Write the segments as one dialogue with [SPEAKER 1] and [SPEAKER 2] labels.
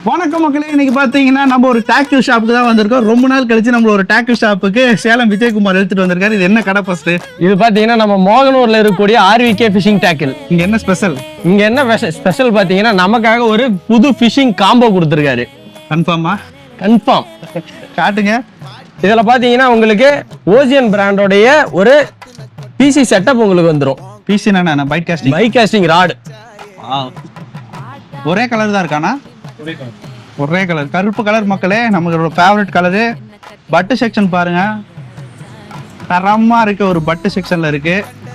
[SPEAKER 1] வணக்கம் மக்களே, இன்னைக்கு பாத்தீங்கன்னா நம்ம ஒரு டாக்டிவ் ஷாப்புக்கு தான் வந்திருக்கோம். ரொம்ப நாள் கழிச்சு நம்ம ஒரு டாக்டிவ் ஷாப்புக்கு சேலம் விஜயகுமார் எடுத்துட்டு வந்திருக்காரு. இது என்ன கடை ஃபர்ஸ்ட்?
[SPEAKER 2] இது பாத்தீங்கன்னா நம்ம மோகனூர்ல இருக்கக்கூடிய ஆர்விகே ஃபிஷிங் டேக்கிள்.
[SPEAKER 1] இங்க என்ன ஸ்பெஷல்?
[SPEAKER 2] இங்க என்ன ஸ்பெஷல் பாத்தீங்கன்னா நமக்காக ஒரு புது ஃபிஷிங் காம்போ கொடுத்துருக்காரு.
[SPEAKER 1] கன்ஃபார்மா?
[SPEAKER 2] கன்ஃபார்ம்.
[SPEAKER 1] காட்டுங்க.
[SPEAKER 2] இதுல பாத்தீங்கன்னா உங்களுக்கு ஓசியன் பிராண்டோடைய ஒரு பிசி செட்டப் உங்களுக்கு வந்துரும்.
[SPEAKER 1] பிசி என்ன? Bait casting.
[SPEAKER 2] Bait casting rod.
[SPEAKER 1] ஒரே கலர் தான் இருக்கானா? ஒரே கலர், கருப்பு கலர் மக்களே, நமக்கு ஃபேவரட் கலரு. பட்டு செக்ஷன் பாருங்க, தரமா இருக்கு. ஒரு பட்டு செக்ஷன்ல இருக்கு.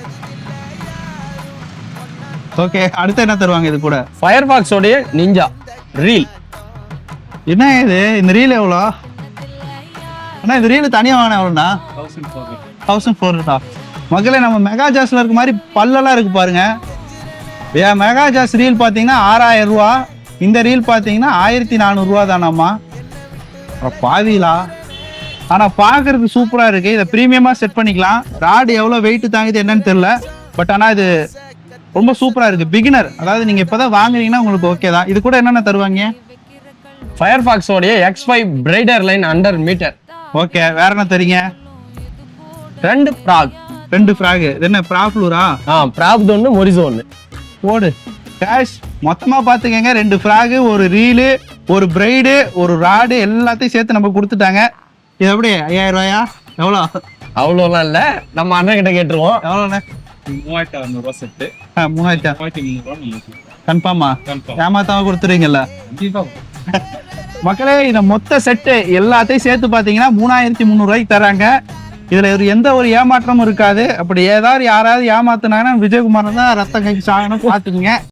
[SPEAKER 1] ஓகே, அடுத்து என்ன தருவாங்க இது கூட?
[SPEAKER 2] ஃபயர்பாக்ஸ் உடைய நிஞ்சா ரீல்.
[SPEAKER 1] என்ன இது? இந்த ரீல் எவ்வளோ அண்ணா? இந்த ரீல் தனியாக வாங்கினா எவ்வளோண்ணா? 1400. மக்களே, நம்ம மெகா ஜாஸ்ல இருக்க மாதிரி பல்லெல்லாம் இருக்கு பாருங்க. மெகா ஜாஸ் ரீல் பார்த்தீங்கன்னா 6000 ரூபா. இந்த ரீல் பார்த்தீங்கன்னா 1400 ரூபா தானாம்மா. பாவிலா, ஆனால் பார்க்கறதுக்கு சூப்பராக இருக்கு. இதை ப்ரீமியமாக செட் பண்ணிக்கலாம். ராடு எவ்வளோ வெயிட் தாங்குது என்னன்னு தெரியல, பட் ஆனால் இது ரொம்ப சூப்பராக இருக்கு. பிகினர், அதாவது நீங்கள் இப்போ தான் வாங்குறீங்கன்னா உங்களுக்கு ஓகே தான். இது கூட என்னென்ன தருவாங்க?
[SPEAKER 2] ஃபயர்பாக்ஸ் உடைய X5 பிரைடர் லைன் அண்டர் மீட்டர்.
[SPEAKER 1] ஓகே, வேற என்ன தரீங்க?
[SPEAKER 2] 2 ஃப்ராக்.
[SPEAKER 1] 2 ஃப்ராக். இது என்ன ப்ராப்ளூரா?
[SPEAKER 2] ப்ராப் ஒன்று மொரிசோ ஒன்று
[SPEAKER 1] போடு. கேஷ் மொத்தமாக பார்த்துக்கங்க, 2 ஃப்ராகு, ஒரு ரீலு, ஒரு பிரைடு, ஒரு ராடு, எல்லாத்தையும் சேர்த்து நம்ம கொடுத்துட்டாங்க. இது எப்படி 5000 ரூபாயா? எவ்வளோ?
[SPEAKER 2] அவ்வளோலாம் இல்லை, நம்ம அண்ணன் கிட்ட கேட்டுருவோம்.
[SPEAKER 1] எவ்வளோண்ணே?
[SPEAKER 3] 3600 ரூபா செட்டு.
[SPEAKER 1] 3300. கன்ஃபார்மா? ஏமாத்தாம கொடுத்துருவீங்கல்ல மக்களே? இந்த மொத்த செட்டு எல்லாத்தையும் சேர்த்து பார்த்தீங்கன்னா 3300 ரூபாய்க்கு தராங்க. இதுல எந்த ஒரு ஏமாற்றமும் இருக்காது. அப்படி ஏதாவது யாராவது ஏமாத்துனாங்கன்னா விஜயகுமார் தான் ரத்தம் கைக்கு சாகணும், பார்த்துக்குங்க.